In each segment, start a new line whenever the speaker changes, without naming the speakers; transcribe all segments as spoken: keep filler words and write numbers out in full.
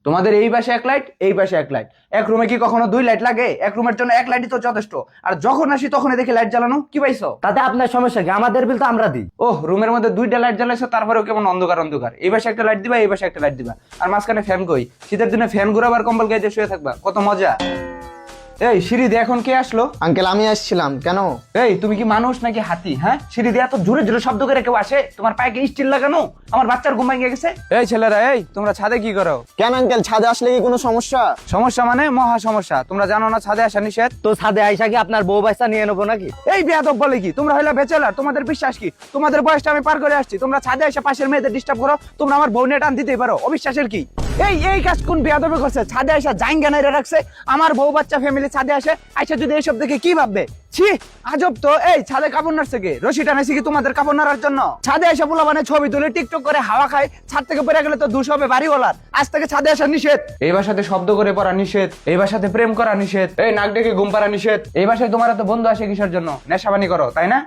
তোমাদের এই পাশে এক লাইট, এই পাশে এক লাইট, এক রুমে কি কখনো দুই লাইট লাগে? এক রুমের জন্য এক লাইটই তো যথেষ্ট। আর যখন আসি তখনই দেখি লাইট জ্বালানো, কি পাইছো?
তাতে আপনার সমস্যা কি? আমাদের বিল তো আমরা দিই।
ওহ, রুমের মধ্যে দুইটা লাইট জ্বালাইছো, তারপরেও কেমন অন্ধকার অন্ধকার। এই পাশে একটা লাইট দিবা, এই পাশে একটা লাইট দিবা, আর মাঝখানে ফ্যান কই? শীতের দিনে ফ্যান ঘুরাবার, কম্বল গায়ে দিয়ে শুয়ে থাকবা, কত মজা। এই সিঁড়ি দিয়ে এখন কে আসলো?
আঙ্কেল আমি আসছিলাম। কেন?
এই তুমি কি মানুষ নাকি হাতি? হ্যাঁ, সিঁড়ি দিয়ে এত জোরে জোরে শব্দ করে কেউ আসে? তোমার পায়ে কি স্টিল লাগানো? আমার বাচ্চার ঘুম ভেঙে গেছে। এই ছেলেরা, এই তোমরা ছাদে কি করো?
কেন আঙ্কেল, ছাদে আসলে কি কোনো সমস্যা?
সমস্যা মানে মহা সমস্যা। তোমরা জানো না ছাদে আসা নিষেধ?
তো ছাদে আইসা কি আপনার বউ বাচ্চা নিয়ে নেবো নাকি?
এই বেয়াদব বলে কি? তোমরা হইলা ব্যাচেলার, তোমাদের বিশ্বাস কি? তোমাদের বয়সটা আমি পার করে আসছি, তোমরা ছাদে এসে পাশের মেয়েদের ডিস্টার্ব করো। তোমরা আমার বউ নিয়ে টান দিতেই পারো, অবিশ্বাসের কি? এই এই কাজ কোন বেয়াদবে করছে? ছাদে এসে জাইঙ্গা নাইরা রাখছে। আমার বউ বাচ্চা ফ্যামিলি ছাদে আসে, আইসা যদি এইসব দেখে কি ভাববে? ছি, আজব তো। এই ছাদে কাপড় নাড়ছে কে? রশি টানাইছি কি তোমাদের কাপড় নাড়ার জন্য? ছাদে এসে পোলা মানে ছবি তুলে টিকটক করে হাওয়া খায়, ছাদ থেকে পড়ে গেলে তো দুষ হবে বাড়িওয়ালার। আজ থেকে ছাদে আসা নিষেধ। এই বাসাতে শব্দ করে পড়া নিষেধ, এই বাসাতে প্রেম করা নিষেধ, এই নাক ডেকে ঘুম পাড়া নিষেধ। এই বাসায় তোমার তো বন্ধু আসে কিসের জন্য? নেশাবানি করো, তাই না?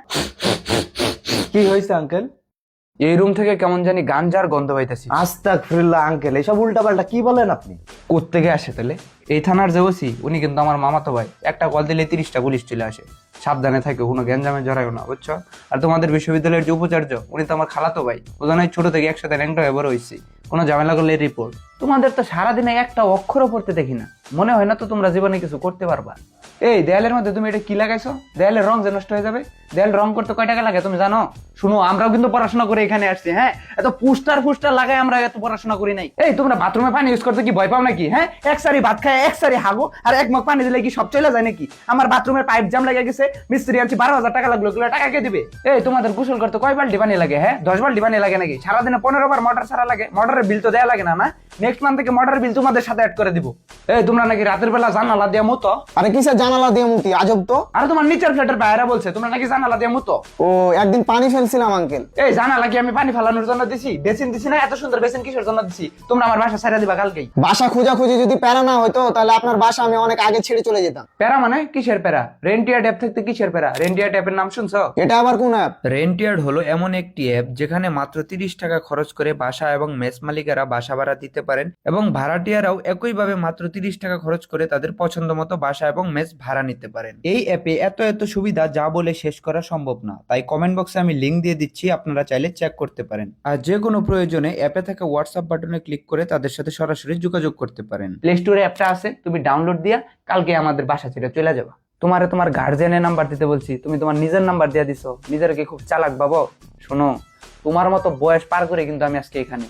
কি হয়েছে আঙ্কেল?
এই রুম থেকে কেমন জানি গাঞ্জার গন্ধ পাইতেছি।
আস্তাগফিরুল্লাহ আঙ্কেল, এসব উল্টা পাল্টা কি বলেন আপনি?
কোত্থেকে আসে তাহলে? এই থানার যে ওসি, উনি কিন্তু আমার মামাতো ভাই। একটা কল দিলে তিরিশটা পুলিশ চলে আসে। সাবধানে থাকে, কোনো গ্যাঞ্জামে জড়াইও না, বুঝছো? আর তোমাদের বিশ্ববিদ্যালয়ের যে উপাচার্য, উনি তো আমার খালাতো ভাই। ওজন্য ছোট থেকে একসাথে র্যাঙ্কটা হয়ে বড় হয়েছি। কোনো ঝামেলা করলে রিপোর্ট। তোমাদের তো সারাদিনে একটা অক্ষরও পড়তে দেখি না। মনে হয় না তো তোমরা জীবনে কিছু করতে পারবা। এই দেয়ালের মধ্যে তুমি এটা কি লাগাইছো? দেয়ালের রং যে নষ্ট হয়ে যাবে। দেয়াল রং করতে কয় টাকা লাগে তুমি জানো? শুনো, আমরাও কিন্তু পড়াশোনা করে এখানে আসছি। হ্যাঁ, এত পুস্টার পুস্টার লাগাই আমরা এত পড়াশোনা করি নাই। এই তোমরা বাথরুমে পানি ইউজ করতে কি ভয় পাও নাকি? হ্যাঁ, এক সারি ভাত খায় এক সারি হাগো, আর এক মগ পানি দিলে কি সব চলে যায় নাকি? আমার বাথরুমের পাইপ জাম লেগে গেছে, মিস্ত্রি আনছি, বারো হাজার টাকা লাগলো, এগুলো টাকা কে দিবে? এই তোমাদের গোসল করতে কয় বাল্টি পানি লাগে? হ্যাঁ, দশ বাল্টি পানি লাগে নাকি? সারাদিনে পনেরো বার মোটর ছাড়া লাগে। মোটরের বিল তো দেয়া লাগে না? না, নেক্সট মান্থ থেকে মোটরের বিল তোমাদের সাথে অ্যাড করে দিব। এই তোমরা নাকি রাতের বেলা জানালা দিয়ে মুতো?
আরে কিসের জানালা দিয়ে মুতি? আজব তো।
আরে তোমার নিচের ফ্ল্যাটের বাইরে বলছে তোমরা নাকি জানালা দিয়ে মুতো।
ও, একদিন পানি ফেলছিলাম আঙ্কেল।
এই জানালা কি আমি পানি ফেলানোর জন্য দিছি? বেসিন দিছি না? এত সুন্দর বেসিন কিসের জন্য দিছি? তোমরা আমার বাসা ছেড়ে দিবা কালকেই।
বাসা খোঁজাখুঁজি যদি প্যারা না হইতো তাহলে আপনার বাসা আমি অনেক আগে ছেড়ে চলে যেতাম।
প্যারা মানে কিসের প্যারা? রেন্টিয়ার ট্যাপ থাকতে কিসের প্যারা? রেন্টিয়ার ট্যাপের নাম শুনছো?
এটা আবার কোন অ্যাপ?
রেন্টিয়ার্ড হলো এমন একটি অ্যাপ যেখানে মাত্র তিরিশ টাকা খরচ করে বাসা এবং মেস মালিকেরা বাসা ভাড়া দিতে পারেন, এবং ভাড়াটিয়ারাও একইভাবে মাত্র তিরিশ টাকা খরচ করে তাদের পছন্দ মতো বাসা এবং মেস ভাড়া নিতে পারেন। এই অ্যাপে এত এত সুবিধা যা বলে শেষ করা সম্ভব না, তাই কমেন্ট বক্সে আমি লিঙ্ক দিয়ে দিচ্ছি, আপনারা চাইলে চেক করতে পারেন। আর যে কোনো প্রয়োজনে অ্যাপে থাকা হোয়াটসঅ্যাপ বাটনে ক্লিক করে তাদের সাথে সরাসরি যোগাযোগ করতে পারেন।
প্লে স্টোরে অ্যাপটা আছে, তুমি ডাউনলোড দিয়া কালকে আমাদের বাসা ছেড়ে চলে যাবা। তোমারে তোমার গার্জিয়ানের নাম্বার দিতে বলছি, তুমি তোমার নিজের নাম্বার দিয়ে দিছো। নিজের কি খুব চালাক বাবা? শোনো, তোমার মতো বয়স পার করে কিন্তু আমি আজকে এখানে।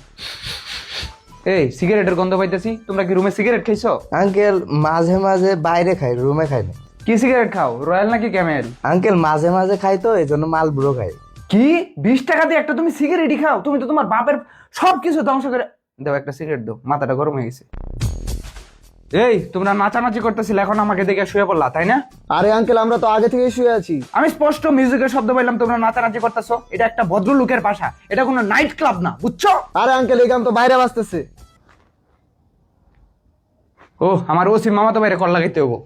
এই সিগারেটের গন্ধ পাইতেছি। তোমরা কি রুমে সিগারেট খাইছো?
আঙ্কেল মাঝে মাঝে বাইরে খাই, রুমে খাই না।
কি সিগারেট খাও, রয়্যাল নাকি ক্যামেল?
আঙ্কেল মাঝে মাঝে খাই, তো এই জন্য মালব্রো খাই।
কি বিশ টাকা দিয়ে একটা তুমি সিগারেটই খাও? তুমি তো তোমার বাপের সবকিছু ধ্বংস করে দাও। একটা সিগারেট দাও, মাথাটা গরম হয়ে গেছে। এই তোমরা নাচানাচি করতেছিলে, এখন আমাকে দেখে শুয়ে পড়লা, তাই না?
আরে আঙ্কেল, আমরা তো আগে থেকেই শুয়ে আছি।
আমি স্পষ্ট মিউজিকের শব্দ পাইলাম, তোমরা নাচানাচি করতেছো। এটা একটা ভদ্রলোকের বাসা, এটা কোনো নাইট ক্লাব না, বুঝছো?
আরে আঙ্কেল, এই গান তো বাইরে বাজতেছে।
ও, আমার ওসি মামা তো বাইরে কল লাগাইতে হবো।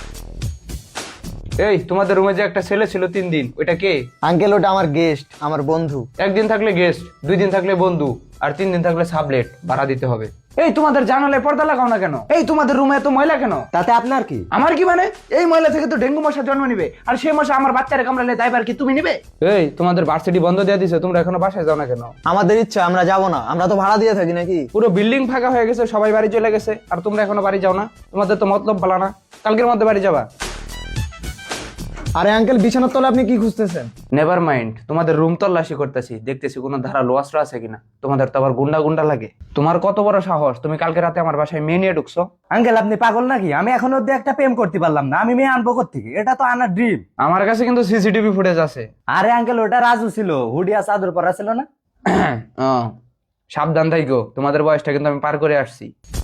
এই তোমাদের রুমে যে একটা ছেলে ছিল তিন দিন, ওইটা কে?
আঙ্কেল, ওটা আমার গেস্ট, আমার বন্ধু।
একদিন থাকলে গেস্ট, দুই দিন থাকলে বন্ধু, আর তিন দিন থাকলে সাবলেট ভাড়া দিতে হবে। এই তোমাদের জানালায় পর্দা লাগাও না কেন? এই তোমাদের রুমে এত ময়লা কেন?
তাতে আপনার কি?
আমার কি মানে? এই ময়লা থেকে তো ডেঙ্গু মশা জন্ম নিবে, আর সেই মশা আমার বাচ্চারে কামড়ালে দায়ভার কি তুমি নিবে? এই তোমাদের ভার্সিটি বন্ধ দিয়ে দিছে, তোমরা এখনো বাসায় যাও না কেন?
আমাদের ইচ্ছা, আমরা যাব না। আমরা তো ভাড়া দিয়ে থাকি নাকি?
পুরো বিল্ডিং ফাঁকা হয়ে গেছে, সবাই বাড়ি চলে গেছে, আর তোমরা এখনো বাড়ি যাও না? তোমাদের তো মতলব বলা না, কালকের মধ্যে বাড়ি যাবা।
আরে আঙ্কেল, বিছানার তলে আপনি কি খুঁজতেছেন?
নেভার মাইন্ড, তোমাদের রুম তল্লাশি করতেছি, দেখতেছি কোনো ধারালো অস্ত্র আছে কিনা। তোমাদের তো আবার গুন্ডা গুন্ডা লাগে। তোমার কত বড় সাহস, তুমি কালকে রাতে আমার বাসায় মেয়ে নিয়ে ঢুকছো?
আঙ্কেল আপনি পাগল নাকি? আমি এখন অব্দি একটা প্রেম করতে পারলাম না, আমি মেয়ে আনবো কোত্থেকে? এটা তো আনার ড্রিম।
আমার কাছে কিন্তু সিসিটিভি ফুটেজ আছে।
আরে আঙ্কেল, ওটা রাজু ছিল, হুডিয়া চাদর পরা ছিল না?
ও, সাবধান থাইকো, তোমাদের বয়সটা কিন্তু আমি পার করে আসছি।